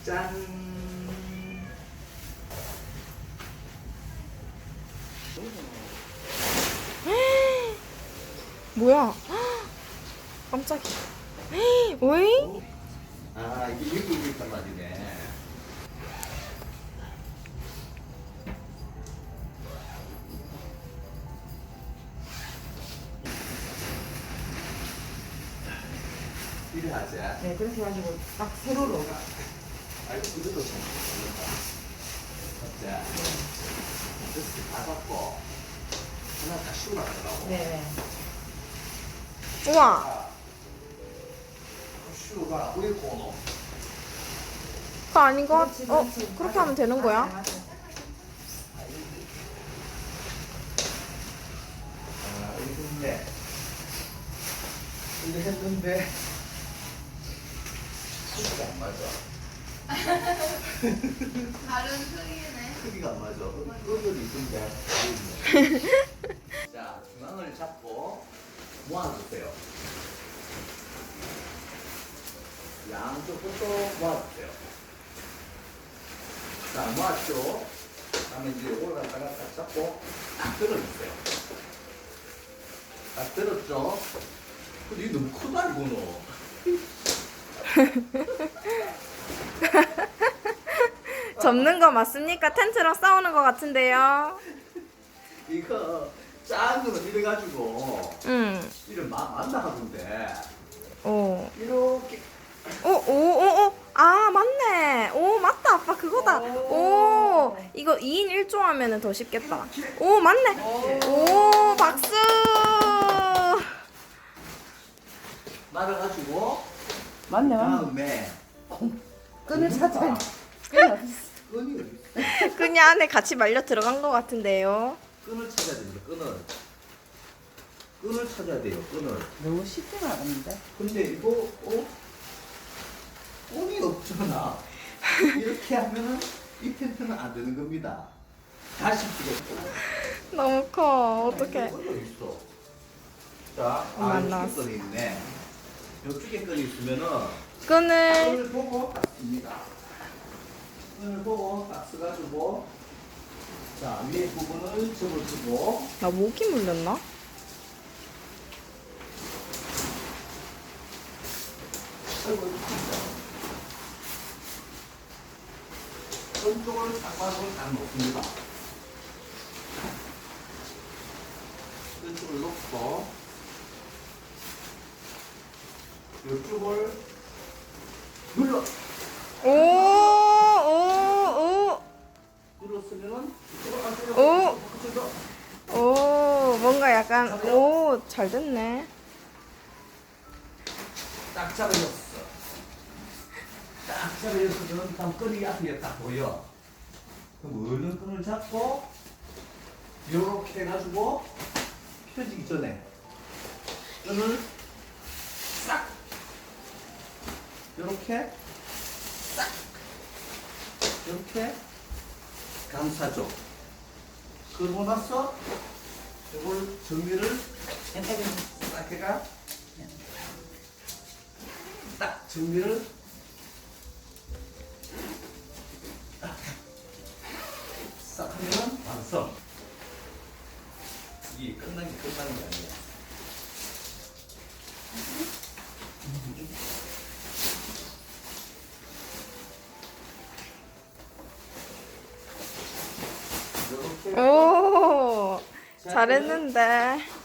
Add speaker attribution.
Speaker 1: 짠.
Speaker 2: 뭐야? 깜짝이야. 오잉?
Speaker 1: 아, 이게 여기 있단 말이네. 이래 하자.
Speaker 3: 네, 그렇게 해가지고 딱 세로로.
Speaker 1: 아이고, 그대로 좀 걸린다. 자, 이렇게 다 갖고 하나 다 씌워 나가더라고.
Speaker 3: 네.
Speaker 2: 우와.
Speaker 1: 슈가 왜 고노?
Speaker 2: 그거 아닌 거?
Speaker 3: 그렇지, 그렇지.
Speaker 2: 그렇게
Speaker 3: 맞아.
Speaker 2: 하면 되는 거야?
Speaker 3: 맞아, 맞아.
Speaker 1: 아, 이건데. 근데 했는데 크기가 안 맞아.
Speaker 4: 다른 크기네.
Speaker 1: 크기가 안 맞아. 그것도 있는데. 자, 중앙을 잡고 모아주세요. 양쪽 끝도 모아주세요. 자, 모았죠? 다음에 이제 올라가다가 딱 잡고 딱 들어주세요. 딱 들었죠? 근데 이거 너무 크다, 이거는.
Speaker 2: 접는 거 맞습니까? 텐트랑 싸우는 거 같은데요.
Speaker 1: 이거 작은 거는 이래가지고
Speaker 2: 응.
Speaker 1: 이를 만나 하던데
Speaker 2: 오.
Speaker 1: 이렇게
Speaker 2: 오. 아, 맞네. 오, 맞다. 아빠 그거다. 오. 이거 2인 1조 하면은 더 쉽겠다. 오, 맞네. 오, 박수.
Speaker 1: 말아가지고
Speaker 3: 맞네, 맞네.
Speaker 1: 다음에
Speaker 3: 끈을 찾아야
Speaker 1: 끈이 어디 있어?
Speaker 2: 그냥 안에 같이 말려 들어간 거 같은데요.
Speaker 1: 끈을 찾아야 됩니다. 끈을 찾아야 돼요. 끈을.
Speaker 3: 너무 쉽지는 않은데.
Speaker 1: 근데 이거 끈이 없잖아. 이렇게 하면은 이 텐트는 안 되는 겁니다. 다시 피겠다.
Speaker 2: 너무 커. 어떡해.
Speaker 1: 끈이 있어. 자,
Speaker 2: 엄마 안
Speaker 1: 이쪽에
Speaker 2: 나왔어.
Speaker 1: 끈이 있네. 이쪽에 끈이 있으면은
Speaker 2: 끈을.
Speaker 1: 끈을 보고 딱 씁니다. 끈을 보고 딱 써가지고 자, 위에 부분을 접어주고
Speaker 2: 나 모기 물렸나?
Speaker 1: 아이고, 끈 쪽을 딱 봐서 딱 놓습니다. 끈 쪽을 놓고 이쪽을 눌러 눌렀으면은
Speaker 2: 오, 뭔가 약간, 오, 잘 됐네.
Speaker 1: 딱 잡아줬어. 딱 잡아줬으면 다음 끈이 앞에 딱 보여. 그럼 얼른 끈을 잡고 요렇게 해가지고 펴지기 전에 끈을 싹 요렇게 싹 이렇게 감싸줘. 그러고 나서 이걸 정리를 싹 해가 딱 정리를 싹 하면 완성. 이게 끝나는 게 아니야. 이렇게
Speaker 2: 오, 잘했는데.